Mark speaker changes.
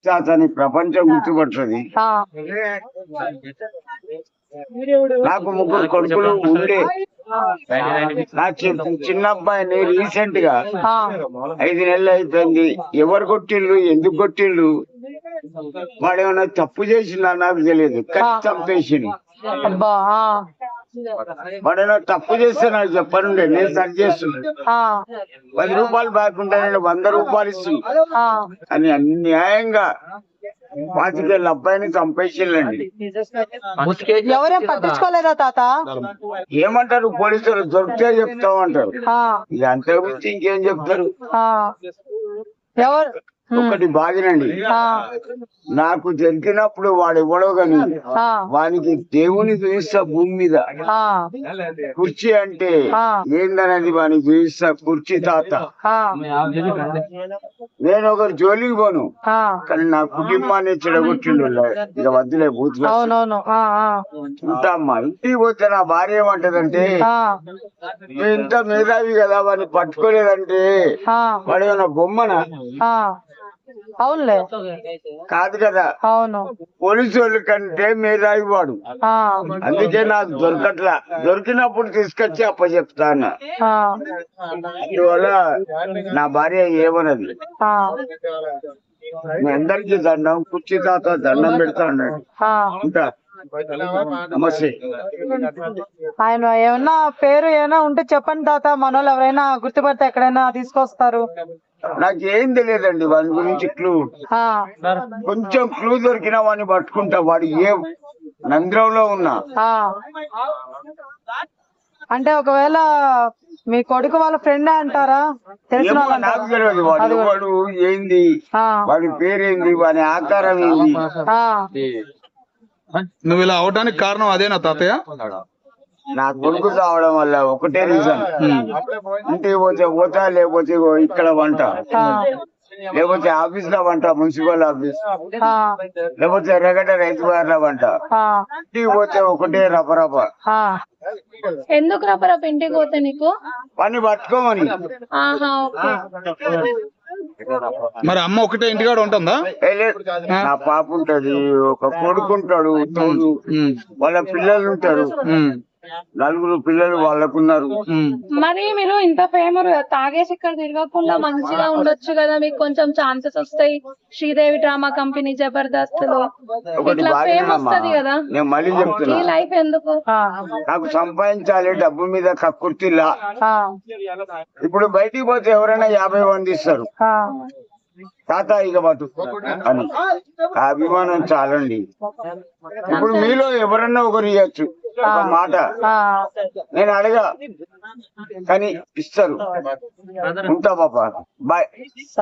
Speaker 1: అతని ప్రపంచం గుర్తుపడుతుంది.
Speaker 2: ఆ,
Speaker 1: నాకు 3 కొడుకులు ఉండే. నా చిన్న అబ్బాయిని రీసెంట్ గా
Speaker 2: ఆ,
Speaker 1: 5 నెలలు అయిపోయింది. ఎవరు కొట్టిళ్ళు, ఎందుకు కొట్టిళ్ళు, వాడేమన్నా తప్పు చేసిందా నాకు తెలియదు, కానీ చంపేసిండు.
Speaker 2: అబ్బా, ఆ,
Speaker 1: వాడేమన్నా తప్పు చేస్తే నాకు చెప్పనుండే, నేను సరి చేస్తున్నాను.
Speaker 2: ఆ,
Speaker 1: 10 రూపాయలు బాగుంటే నేను 100 రూపాయలు ఇస్తున్నాను.
Speaker 2: ఆ,
Speaker 1: అని అన్యాయంగా 25 అబ్బాయిని చంపేసిండండి.
Speaker 2: ఎవరేం పట్టించుకోలేదా తాత?
Speaker 1: ఏమంటారు పోలీసులు, దొరికితే చెప్తామంటారు.
Speaker 2: ఆ,
Speaker 1: ఇక అంతకు మించి ఇంకేం చెప్తారు.
Speaker 2: ఆ, ఎవరు?
Speaker 1: ఒకటి బాగినండి,
Speaker 2: ఆ,
Speaker 1: నాకు దొరికినప్పుడు వాడు ఎవడో గాని
Speaker 2: ఆ,
Speaker 1: వానికి దేవుని చూపిస్తా భూమి మీద.
Speaker 2: ఆ,
Speaker 1: కుర్చీ అంటే
Speaker 2: ఆ,
Speaker 1: ఏందనేది వానికి చూపిస్తా. కుర్చీ తాత,
Speaker 2: ఆ,
Speaker 1: నేను ఒకరు జోలికి పోను,
Speaker 2: ఆ,
Speaker 1: కానీ నా కుటుంబాన్ని చెడగొట్టిండు. ఇక వద్దులే బూతులు.
Speaker 2: అవునవును, ఆ, ఆ,
Speaker 1: ఉంటామ్మా, ఇంటికి పోతే నా భార్య ఏమంటదంటే,
Speaker 2: ఆ,
Speaker 1: నువ్వు ఇంత మేధావి కదా వాడిని పట్టుకోలేదంటే
Speaker 2: ఆ,
Speaker 1: వాడు ఏమన్నా బొమ్మనా?
Speaker 2: ఆ, అవునులే,
Speaker 1: కాదు కదా,
Speaker 2: అవును,
Speaker 1: పోలీసు వాళ్ళ కంటే మేధావి వాడు.
Speaker 2: ఆ,
Speaker 1: అందుకే నాకు దొరకట్లా, దొరికినప్పుడు తీసుకొచ్చి అప్పచెప్తాను.
Speaker 2: ఆ,
Speaker 1: అందువల్ల నా భార్య ఏమన్నది,
Speaker 2: ఆ,
Speaker 1: మీ అందరికీ దండం, కుర్చీ తాత దండం పెడతా అన్నాడు.
Speaker 2: ఆ.
Speaker 1: ఇంకా నమస్తే.
Speaker 2: ఆయన ఏమన్నా పేరు ఏమైనా ఉంటే చెప్పండి తాత, మనోళ్ళు ఎవరైనా గుర్తుపడితే ఎక్కడైనా తీసుకొస్తారు.
Speaker 1: నాకేం తెలియదండి వాడి గురించి క్లూ.
Speaker 2: ఆ,
Speaker 1: కొంచెం క్లూ దొరికినా వాడిని పట్టుకుంటా. వాడు ఏ నంద్రంలో ఉన్నా.
Speaker 2: ఆ. అంటే ఒకవేళ మీ కొడుకు వాళ్ళ ఫ్రెండ్ అంటారా? తెలిసిన
Speaker 1: ఏమో
Speaker 2: వాళ్ళు
Speaker 1: నాకు
Speaker 2: అంటారా?
Speaker 1: తెలియదు. వాడు ఎవడు, ఏంది,
Speaker 2: ఆ,
Speaker 1: వాడి పేరేంది, వాడి ఆకారం ఏంది.
Speaker 2: ఆ,
Speaker 3: నువ్వు ఇలా అవడానికి కారణం అదేనా తాతయ్య?
Speaker 1: నా కొడుకు చావడం వల్ల ఒకటే రీజన్. ఇంటికి పోతే పోతా, లేకపోతే ఇగో ఇక్కడ వంట,
Speaker 2: ఆ,
Speaker 1: లేకపోతే ఆఫీస్ లో వంట, మున్సిపల్ ఆఫీస్,
Speaker 2: ఆ,
Speaker 1: లేకపోతే ఎర్రగడ్డ రైతు బార్ల వంట.
Speaker 2: ఆ,
Speaker 1: ఇంటికి పోతే ఒకటే రపరప.
Speaker 2: ఆ.
Speaker 4: ఎందుకు రపరప ఇంటికి పోతే నీకు?
Speaker 1: పని పట్టుకోమని.
Speaker 4: ఆహా, ఓకే.
Speaker 3: మరి అమ్మ ఒకటే ఇంటికాడ ఉంటుందా?
Speaker 1: ఏ లేదు, నా పాప ఉంటది, ఒక కొడుకు ఉంటాడు తోడు, వాళ్ళ పిల్లలు ఉంటారు, 4 పిల్లలు వాళ్ళకున్నారు.
Speaker 4: మరి మీరు ఇంత ఫేమస్ తాగేసి ఇక్కడ తిరగకుండా మంచిగా ఉండొచ్చు కదా, మీకు కొంచెం ఛాన్సెస్ వస్తాయి. శ్రీదేవి డ్రామా కంపెనీ, జబర్దస్త్ లో
Speaker 1: ఒకటి
Speaker 4: ఇట్లా ఫేమ్
Speaker 1: బాగా
Speaker 4: వస్తది కదా.
Speaker 1: నేను మళ్ళీ
Speaker 4: ఈ
Speaker 1: చెప్తున్నా,
Speaker 4: లైఫ్ ఎందుకు?
Speaker 2: ఆ,
Speaker 1: నాకు సంపాదించాలి, డబ్బు మీద కక్కుర్తిలా.
Speaker 2: ఆ,
Speaker 1: ఇప్పుడు బయటికి పోతే ఎవరైనా 50 మంది ఇస్తారు,
Speaker 2: ఆ,
Speaker 1: తాత ఇక పట్టు అని. ఆ అభిమానం చాలండి. ఇప్పుడు మీలో ఎవరన్నా ఒకరు ఇవ్వచ్చు ఒక మాట,
Speaker 2: ఆ.
Speaker 1: నేను అడగా కానీ ఇస్తారు. ఉంటా పాప, బాయ్.